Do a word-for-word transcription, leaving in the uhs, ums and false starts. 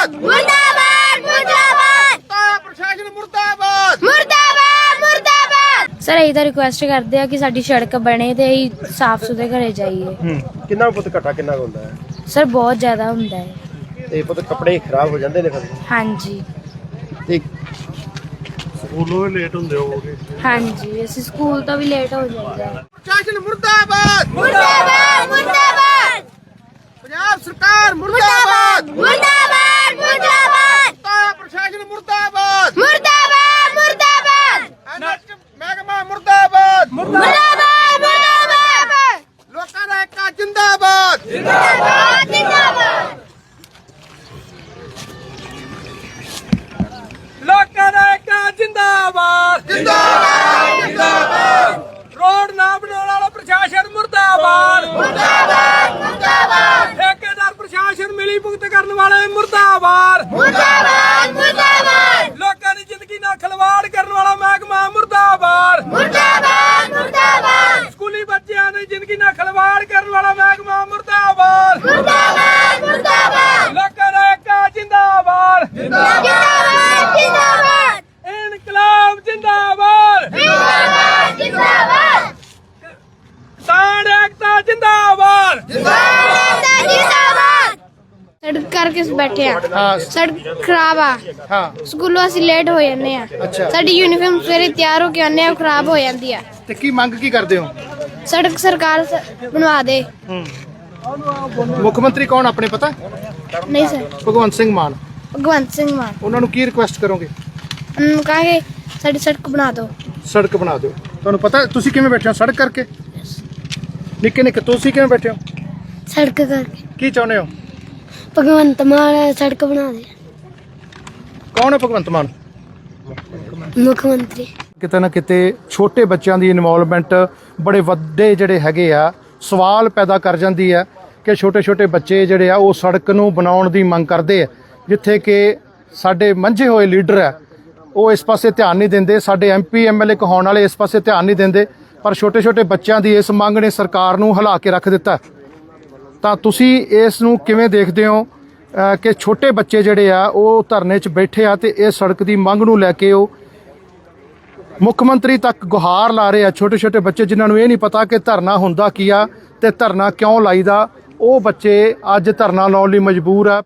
ਮੁਰਦਾਬਾਦ ਮੁਰਦਾਬਾਦ ਮੁਰਦਾਬਾਦ ਤਾਇਆ ਪ੍ਰਸ਼ਾਸਨ ਮੁਰਦਾਬਾਦ ਮੁਰਦਾਬਾਦ ਮੁਰਦਾਬਾਦ। ਸਰ ਇਹੀ ਤਾਂ ਰਿਕੁਐਸਟ ਕਰਦੇ ਆ ਕਿ ਸਾਡੀ ਸੜਕ ਬਣੇ ਤੇ ਅਸੀਂ ਸਾਫ਼ ਸੁਥਰੇ ਘਰੇ ਜਾਈਏ। ਹੂੰ ਕਿੰਨਾ ਪੁੱਤ ਘਟਾ ਕਿੰਨਾ ਹੁੰਦਾ ਹੈ ਸਰ ਬਹੁਤ ਜ਼ਿਆਦਾ ਹੁੰਦਾ ਹੈ। ਤੇ ਪੁੱਤ ਕੱਪੜੇ ਖਰਾਬ ਹੋ ਜਾਂਦੇ ਨੇ ਫਿਰ ਹਾਂਜੀ ਤੇ ਸਕੂਲੋਂ ਲੇਟ ਹੁੰਦੇ ਹੋਗੇ। ਹਾਂਜੀ ਅਸੀਂ ਸਕੂਲ ਤੋਂ ਵੀ ਲੇਟ ਹੋ ਜਾਈਦਾ। ਪ੍ਰਸ਼ਾਸਨ ਮੁਰਦਾਬਾਦ ਮੁਰਦਾਬਾਦ ਮੁਰਦਾਬਾਦ ਪੰਜਾਬ ਸਰਕਾਰ ਮੁਰਦਾਬਾਦ ਮੁਰਦਾਬਾਦ ਮੁਰਦਾਬਾਦ ਤਾਇਆ ਪ੍ਰਸ਼ਾਸਨ ਮੁਰਦਾਬਾਦ ਮੁਰਦਾਬਾਦ ਮੁਰਦਾਬਾਦ ਐਨਐਚ ਮਹਿਕਮਾ ਮੁਰਦਾਬਾਦ ਮੁਰਦਾਬਾਦ ਮੁਰਦਾਬਾਦ ਲੋਕਾਂ ਦਾ ਏਕਾ ਜਿੰਦਾਬਾਦ ਜਿੰਦਾਬਾਦ ਜਿੰਦਾਬਾਦ ਲੋਕਾਂ ਦਾ ਏਕਾ ਜਿੰਦਾਬਾਦ ਜਿੰਦਾਬਾਦ ਜਿੰਦਾਬਾਦ ਰੋਡ ਨਾ ਬਣਾਉਣ ਵਾਲਾ ਪ੍ਰਸ਼ਾਸਨ ਮੁਰਦਾਬਾਦ ਮੁਰਦਾਬਾਦ ਮੁਰਦਾਬਾਦ ਠੇਕੇਦਾਰ ਪ੍ਰਸ਼ਾਸਨ ਮਿਲੀ ਭੁਗਤ ਕਰਨ ਵਾਲੇ ਮੁਰਦਾਬਾਦ ਮੁਰਦਾਬਾਦ ਮੁਰਦਾਬਾਦ ਲੋਕਾਂ ਦੀ ਜ਼ਿੰਦਗੀ ਨਾਲ ਖਿਲਵਾੜ ਕਰਨ ਵਾਲਾ ਮਹਿਕਮਾ ਮੁਰਦਾਬਾਦ ਮੁਰਦਾਬਾਦ ਮੁਰਦਾਬਾਦ ਸਕੂਲੀ ਬੱਚਿਆਂ ਦੀ ਜ਼ਿੰਦਗੀ ਨਾਲ ਖਿਲਵਾੜ ਕਰਨ ਵਾਲਾ ਮਹਿਕਮਾ ਮੁਰਦਾਬਾਦ ਮੁਰਦਾਬਾਦ ਮੁਰਦਾਬਾਦ ਲੋਕਾਂ ਦਾ ਏਕਾ ਜਿੰਦਾਬਾਦ ਜਿੰਦਾਬਾਦ ਜਿੰਦਾਬਾਦ ਇਨਕਲਾਬ ਜਿੰਦਾਬਾਦ ਜਿੰਦਾਬਾਦ ਜਿੰਦਾਬਾਦ ਕਿਸਾਨ ਏਕਤਾ ਜਿੰਦਾਬਾਦ ਜਿੰਦਾਬਾਦ ਜਿੰਦਾਬਾਦ ਸੜਕ ਕਰਕੇ ਬੈਠੇ ਆ। ਹਾਂ ਸੜਕ ਖਰਾਬ ਆ। ਹਾਂ ਸਕੂਲੋਂ ਅਸੀਂ ਲੇਟ ਹੋ ਜਾਂਦੇ ਆ। ਅੱਛਾ ਸਾਡੀ ਯੂਨੀਫਾਰਮ ਸਵੇਰੇ ਤਿਆਰ ਹੋ ਕੇ ਆਉਂਦੇ ਆ, ਉਹ ਖਰਾਬ ਹੋ ਜਾਂਦੀ ਆ। ਤੇ ਕੀ ਮੰਗ ਕੀ ਕਰਦੇ ਹੋ ਸੜਕ ਸਰਕਾਰ ਸ- ਬਣਵਾ ਦੇ। ਮੁੱਖ ਮੰਤਰੀ ਕੌਣ ਆਪਣੇ ਪਤਾ ਨਹੀਂ ਸਰ ਭਗਵੰਤ ਸਿੰਘ ਮਾਨ ਭਗਵੰਤ ਸਿੰਘ ਮਾਨ ਉਹਨਾਂ ਨੂੰ ਕੀ ਰਿਕੁਐਸਟ ਕਰੋਗੇ ਉਹਨੂੰ ਕਹਾਂਗੇ ਸਾਡੀ ਸੜਕ ਬਣਾ ਦਿਓ। ਸੜਕ ਬਣਾ ਦਿਓ। ਤੁਹਾਨੂੰ ਪਤਾ ਤੁਸੀਂ ਕਿਵੇਂ ਬੈਠੇ ਹੋ ਸੜਕ ਕਰਕੇ ਨਿੱਕੇ ਨਿੱਕੇ ਤੁਸੀਂ ਕਿਵੇਂ ਬੈਠੇ ਹੋ ਸੜਕ ਕਰਕੇ ਕੀ ਚਾਹੁੰਦੇ ਹੋ ਭਗਵੰਤ ਮਾਨ ਸੜਕ ਬਣਾ ਦੇ। ਕੌਣ ਹੈ ਭਗਵੰਤ ਮਾਨ ਮੁੱਖ ਮੰਤਰੀ ਕਿਤੇ ਨਾ ਕਿਤੇ ਛੋਟੇ ਬੱਚਿਆਂ ਦੀ ਇਨਵੋਲਵਮੈਂਟ ਬੜੇ ਵੱਡੇ ਜਿਹੜੇ ਹੈਗੇ ਆ ਸਵਾਲ ਪੈਦਾ ਕਰ ਜਾਂਦੀ ਹੈ ਕਿ ਛੋਟੇ ਛੋਟੇ ਬੱਚੇ ਜਿਹੜੇ ਆ ਉਹ ਸੜਕ ਨੂੰ ਬਣਾਉਣ ਦੀ ਮੰਗ ਕਰਦੇ ਆ ਜਿੱਥੇ ਕਿ ਸਾਡੇ ਮੰਝੇ ਹੋਏ ਲੀਡਰ ਆ ਉਹ ਇਸ ਪਾਸੇ ਧਿਆਨ ਨਹੀਂ ਦਿੰਦੇ। ਸਾਡੇ ਐਮਪੀ ਐਮਐਲਏ ਕਹਾਉਣ ਵਾਲੇ ਇਸ ਪਾਸੇ ਧਿਆਨ ਨਹੀਂ ਦਿੰਦੇ ਪਰ ਛੋਟੇ ਛੋਟੇ ਬੱਚਿਆਂ ਦੀ ਇਸ ਮੰਗ ਨੇ ਸਰਕਾਰ ਨੂੰ ਹਿਲਾ ਕੇ ਰੱਖ ਦਿੱਤਾ। ਤਾਂ ਤੁਸੀਂ ਇਸ ਨੂੰ ਕਿਵੇਂ ਦੇਖਦੇ ਹੋ ਅ, ਕਿ ਛੋਟੇ ਬੱਚੇ ਜਿਹੜੇ ਆ ਉਹ ਧਰਨੇ 'ਚ ਬੈਠੇ ਆ ਤੇ ਇਹ ਸੜਕ ਦੀ ਮੰਗ ਨੂੰ ਲੈ ਕੇ ਉਹ ਮੁੱਖ ਮੰਤਰੀ ਤੱਕ ਗੁਹਾਰ ਲਾ ਰਹੇ ਆ। ਛੋਟੇ ਛੋਟੇ ਬੱਚੇ ਜਿਨ੍ਹਾਂ ਨੂੰ ਇਹ ਨਹੀਂ ਪਤਾ ਕਿ ਧਰਨਾ ਹੁੰਦਾ ਕੀ ਆ ਤੇ ਧਰਨਾ ਕਿਉਂ ਲਾਈਦਾ, ਉਹ ਬੱਚੇ ਅੱਜ ਧਰਨਾ ਲਾਉਣ ਲਈ ਮਜਬੂਰ ਆ।